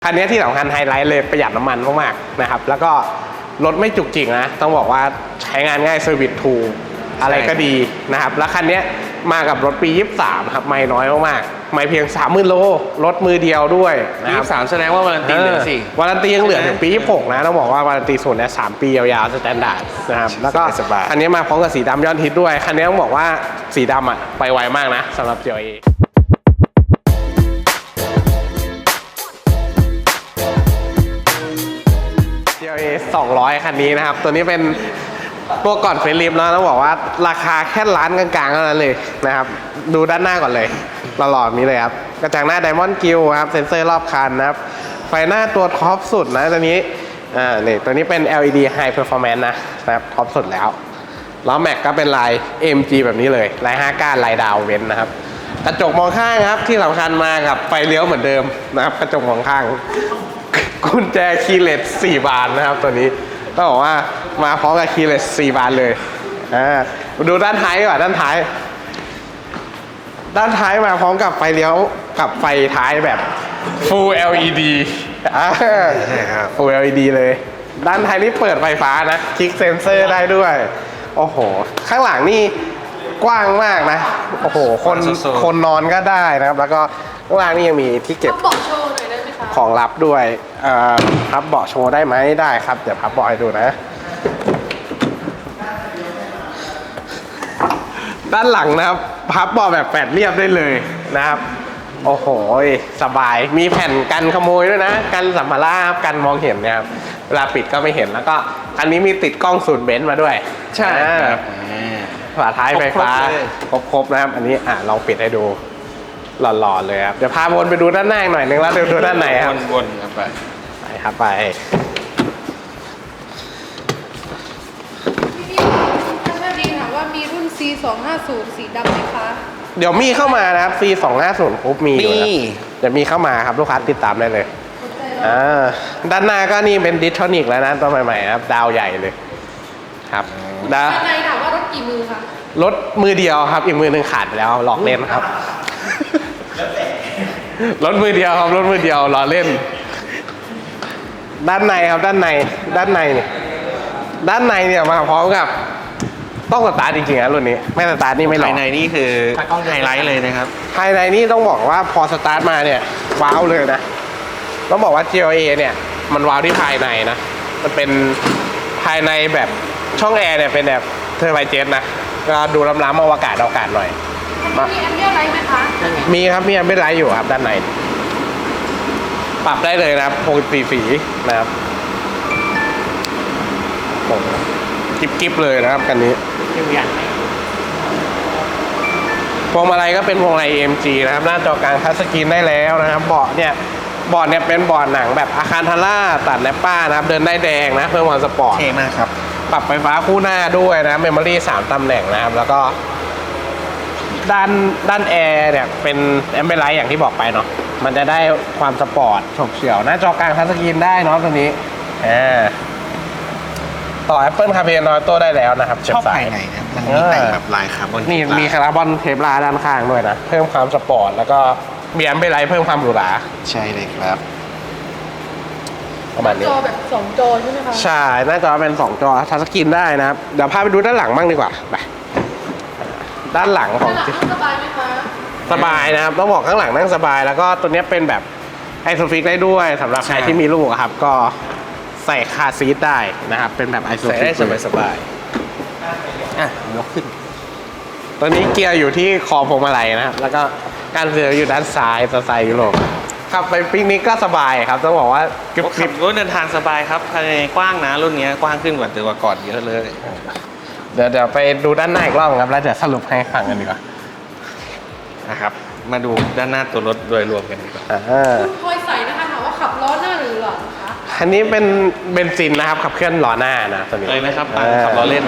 คันนี้ที่สำคัญไฮไลท์เลยประหยัดน้ำมันมากๆนะครับแล้วก็รถไม่จุกจิกนะต้องบอกว่าใช้งานง่ายเซอร์วิสถูกอะไรก็ดีนะครับแล้วคันนี้มากับรถปี23ครับไม่น้อยมากๆไม่เพียง 30,000 โลรถมือเดียวด้วยนะครับ 23แสดงว่าวารันตีเหลือสิวารันตียังเหลือถึงปี26นะต้องบอกว่าวารันตีศูนย์เนี่ย3 ปียาวๆสแตนดาร์ดนะครับแล้วก็คันนี้มาพร้อมกับสีดำยอดฮิตด้วยคันนี้ต้องบอกว่าสีดำอ่ะไปไวมากนะสำหรับ GLA GLA 200 คันนี้นะครับตัวนี้เป็นตัวก่อนเฟรนลิฟแล้วต้องบอกว่าราคาแค่ล้านกลางๆเท่านั้นเลยนะครับดูด้านหน้าก่อนเลยหล่อๆนี้เลยครับกระจังหน้า Diamond Grille ครับเซ็นเซอร์รอบคันนะครับไฟหน้าตัวท็อปสุดนะตัวนี้นี่ตัวนี้เป็น LED High Performance นะครับท็อปสุดแล้วล้อแม็กก็เป็นลาย AMG แบบนี้เลยลาย5ก้านลายดาวเว้นนะครับกระจกมองข้างครับที่สำคัญมากับไฟเลี้ยวเหมือนเดิมนะครับกระจกมองข้างกุญแจคีย์เลส4 บานนะครับตัวนี้ต้องบอกว่ามาพร้อมกับคีย์เลส4 บานเลยดูด้านท้ายก่อนด้านท้ายมาพร้อมกับไฟเลี้ยวกับไฟท้ายแบบ Full LED Full LED เลยด้านท้ายนี่เปิดไฟฟ้านะคลิกเซนเซอร์ได้ด้วยโอ้โหข้างหลังนี่กว้างมากนะโอ้โหคนนอนก็ได้นะครับแล้วก็ข้างล่างนี่ยังมีที่เก็บเบาะโชว์หน่อยได้ไหมคะของลับด้วยพับเบาะโชว์ได้ไหมได้ครับเดี๋ยวพับเบาะให้ดูนะด้านหลังนะครับพับเบาะแบบแปดเรียบได้เลยนะครับโอ้โหสบายมีแผ่นกันขโมยด้วยนะกันสัมภาระกันมองเห็นนะครับเวลาปิดก็ไม่เห็นแล้วก็อันนี้มีติดกล้องศูนย์เบนซ์มาด้วยใช่ครับฝาท้ายไฟฟ้าครบนะครับอันนี้ลองปิดให้ดูหล่อๆเลยครับเดี๋ยวพาวนไปดูด้านหน้าหน่อยนึงแล้วเดี๋ยวดูด้านในครับวนครับไปครับไปท่านแม่ดีถามว่ามีรุ่น C250 สีดำไหมคะเดี๋ยวมีเข้ามานะครับ C250 ปุ๊บมีอยู่นะเดี๋ยวมีเข้ามาครับลูกค้าติดตามได้เลยด้านหน้าก็นี่เป็นดิสโทนิกแล้วนะตัวใหม่ๆครับดาวใหญ่เลยครับด้านในถามว่ารถกี่มือคะรถมือเดียวครับอีกมือหนึ่งขาดไปแล้วหลอกเล่นครับรถมือเดียวครับรถมือเดียวล้อเล่นด้านในครับด้านในเนี่ยมาพร้อมกับต้องสตาร์ทจริงๆนะรุ่นนี้ไม่สตาร์ทนี่ไม่หลอกภายในนี่คือไฮไลท์เลยนะครับภายในนี่ต้องบอกว่าพอสตาร์ทมาเนี่ยว้าวเลยนะต้องบอกว่า GLA เนี่ยมันว้าวที่ภายในนะมันเป็นภายในแบบช่องแอร์เนี่ยเป็นแบบเทอร์ไบเจ็ตนะก็ดูล้ำๆอวกาศหน่อยมีแอมเบียร์ไลท์ไหมคะมีครับมีแอมเบียร์ไลท์อยู่ครับด้านในปรับได้เลยนะครับ64 สีนะครับโอ้กิ๊บเลยนะครับคันนี้พวงมาลัยก็เป็นพวงมาลัย AMG นะครับหน้าจอกลางทัชสกรีนได้แล้วนะครับเบาะเนี่ยเป็นเบาะหนังแบบอาคารทาร่าตัดแนปป้านะครับเดินได้แดงนะเพิ่มความสปอร์ตเท่มากครับปรับไฟฟ้าคู่หน้าด้วยนะเมมโมรี่3 ตำแหน่งนะครับแล้วก็ด้านแอร์เนี่ยเป็นแอมเบอร์ไลท์อย่างที่บอกไปเนาะมันจะได้ความสปอร์ตฉกเฉี่ยวหน้าจอกลางทัชสกรีนได้เนาะตัวนี้ต่อ Apple CarPlay Android Auto ได้แล้วนะครับชอบภายในนะมันมีแต่งแบบลายคาร์บอนนี่มีคาร์บอนเทปลาด้านข้างด้วยนะเพิ่มความสปอร์ตแล้วก็มีแอมเบอร์ไลท์เพิ่มความหรูหราใช่เลยครับประมาณนี้จอแบบ2 จอใช่ไหมคะใช่หน้าจอเป็น2 จอทัชสกรีนได้นะครับเดี๋ยวพาไปดูด้านหลังบ้างดีกว่าไปด้านหลังของสบายไหมคะสบายนะครับต้องบอกข้างหลังนั่งสบายแล้วก็ตัวนี้เป็นแบบไอโซฟิกได้ด้วยสำหรับใครที่มีลูกครับก็ใส่คาร์ซีทได้นะครับเป็นแบบไอโซฟิกได้สบายยกขึ้นตัวนี้เกียร์อยู่ที่คอพวงมาลัยนะครับแล้วก็การเสียอยู่ด้านซ้ายสไตล์ยุโรปขับไปปิกนิกก็สบายครับต้องบอกว่าขับรถเดินทางสบายครับภายในกว้างนะรุ่นนี้กว้างขึ้นกว่าตัวก่อนเยอะเลยเดี๋ยวไปดูด้านหน้าอีกรอบครับแล้วเดี๋ยวสรุปให้ฟังกันดีกว่านะครับมาดูด้านหน้าตัวรถโดยรวมกันดีกว่าคุณพลอยใส่นะคะถามว่าขับล้อหน้าหรือหลังคะอันนี้เป็นเบนซินนะครับขับเคลื่อนล้อหน้านะตัวนี้เลยนะครับขับล้อเล่น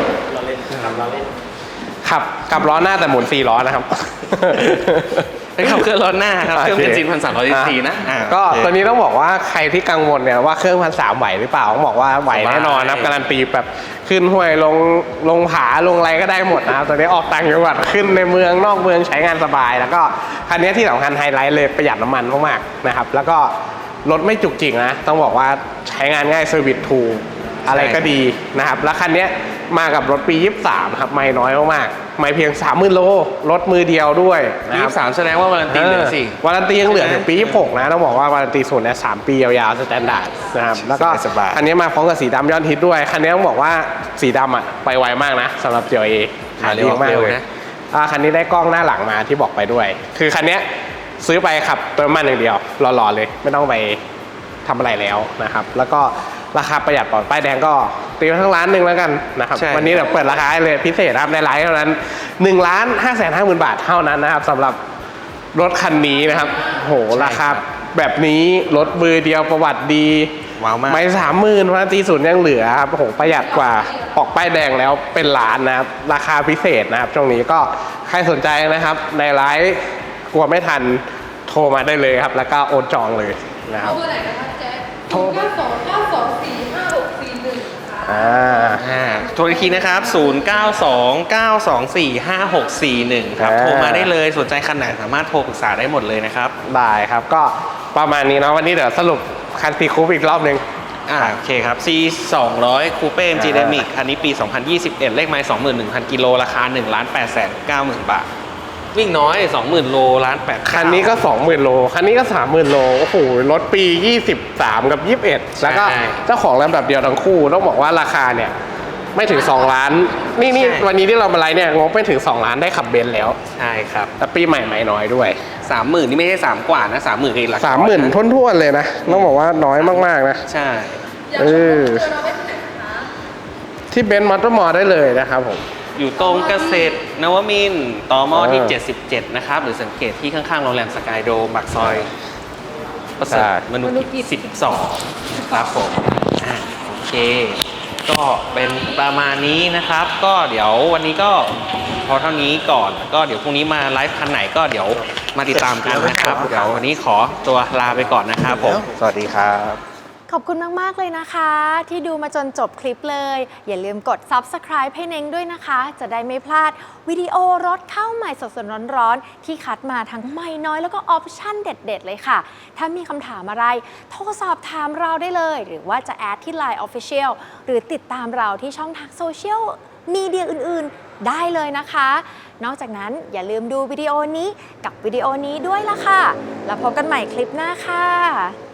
ขับล้อหน้าแต่หมุน4 ล้อนะครับเป็นขับเคลื่อนล้อหน้าครับเครื่องเบนซิน1,300 cc นะก็ตัวนี้ต้องบอกว่าใครที่กังวลเนี่ยว่าเครื่อง1,300ไหวหรือเปล่าต้องบอกว่าไหวแน่นอนนะครับการันตีแบบขึ้นห้วยลงผาลงอะไรก็ได้หมดนะครับตัวนี้ออกต่างจังหวัดขึ้นในเมืองนอกเมืองใช้งานสบายแล้วก็คันนี้ที่สำคัญไฮไลท์เลยประหยัดน้ำมันมากๆนะครับแล้วก็รถไม่จุกจิกนะ ต้องบอกว่าใช้งานง่ายเซอร์วิสถูกอะไรก็ดีนะครับ แล้วคันเนี้ยมากับรถปี 23 ครับ ไม่น้อยมากๆไม่เพียง 30,000 โล รถมือเดียวด้วยนะครับ 23แสดงว่าวารันตีเหลือสิวารันตียังเหลือถึงปี 26 นะ ต้องบอกว่าวารันตีศูนย์เนี่ย3 ปียาวๆสแตนดาร์ดนะครับ แล้วก็สบายๆคันนี้มาพร้อมกับสีดำยอดฮิตด้วย คันนี้ต้องบอกว่าสีดำอ่ะไปไวมากนะสำหรับ GLA ขายดีมากเลย คันนี้ได้กล้องหน้าหลังมาที่บอกไปด้วย คือคันเนี้ยซื้อไปขับเติมน้ำมันอย่างเดียวหล่อๆเลย ไม่ต้องไปทำอะไรแล้วนะครับ แล้วก็ราคาประหยัดปลอดป้ายแดงก็ตีไว้ทั้งล้านหนึ่งแล้วกันนะครับใช่วันนี้เดี๋ยวเปิดราคาให้เลยพิเศษนะครับในไลฟ์เท่านั้น1,550,000 บาทเท่านั้นนะครับสำหรับรถคันนี้นะครับโหราคาแบบนี้รถมือเดียวประวัติดีว้าวมากไม่30,000วารันตีศูนย์ยังเหลือครับโอ้โหประหยัดกว่าออกป้ายแดงแล้วเป็นล้านนะครับราคาพิเศษนะครับช่วงนี้ก็ใครสนใจนะครับในไลฟ์กลัวไม่ทันโทรมาได้เลยครับ แล้วก็โอนจองเลยนะครับเอาเบอร์ไหนนะคะแจ๊คโทร 09292456441ค่ะโทรอีกทีนะครับ 0929245641 ครับ โทรมาได้เลย สนใจคันไหนสามารถโทรปรึกษาได้หมดเลยนะครับได้ครับก็ประมาณนี้เนาะวันนี้เดี๋ยวสรุปคันซีคูปอีกรอบหนึ่งโอเคครับ C 200 Coupe MG Dynamic คันนี้ปี 2021 เลขไมล์ 21,000 กิโล ราคา 1,890,000 บาท วิ่งน้อย 20,000 โลล้าน8 คันนี้ก็ 20,000 โล คันนี้ก็ 30,000 โล โอ้โห รถปี 23 กับ 21 แล้วก็เจ้าของลำดับเดียวทั้งคู่ ต้องบอกว่าราคาเนี่ย ไม่ถึง 2 ล้าน นี่วันนี้ที่เรามาไลฟ์เนี่ยงบไม่ถึง 2 ล้านได้ขับเบนซ์แล้วใช่ครับแต่ปีใหม่ไม่น้อยด้วย 30,000 นี่ไม่ใช่ 3 กว่านะ 30,000คือหลักร้อย 30,000ท้วนๆเลยนะ ต้องบอกว่าน้อยมากๆนะใช่อยากชมเจอเราไว้ที่ไหนคะที่เบนซ์มอเตอร์มอได้เลยนะครับผมอยู่ตรงเกษตรนวมินทร์ตมที่อ่า 77 นะครับ หรือสังเกตที่ข้างๆ โรงแรมสกายโดมปากซอยประเสริใช่ฐมนุกิจ12 ครับผมโอเค ก็เป็นประมาณนี้นะครับ ก็เดี๋ยววันนี้ก็พอเท่านี้ก่อน ก็เดี๋ยวพรุ่งนี้มาไลฟ์คันไหนก็เดี๋ยวมาติดตามกันนะครับ เดี๋ยววันนี้ขอตัวลาไปก่อนนะครับผม สวัสดีครับขอบคุณมาก ๆ เลยนะคะ ที่ดูมาจนจบคลิปเลย อย่าลืมกด Subscribe ให้เน้งด้วยนะคะ จะได้ไม่พลาดวิดีโอรถเข้าใหม่สดๆร้อนๆที่คัดมาทั้งไม่น้อยแล้วก็ออปชั่นเด็ด ๆ เลยค่ะ ถ้ามีคำถามอะไร โทรสอบถามเราได้เลย หรือว่าจะแอดที่ Line Official หรือติดตามเราที่ช่องทางโซเชียลมีเดียอื่น ๆ ได้เลยนะคะ นอกจากนั้นอย่าลืมดูวิดีโอนี้กับวิดีโอนี้ด้วยล่ะค่ะ แล้วพบกันใหม่คลิปหน้าค่ะ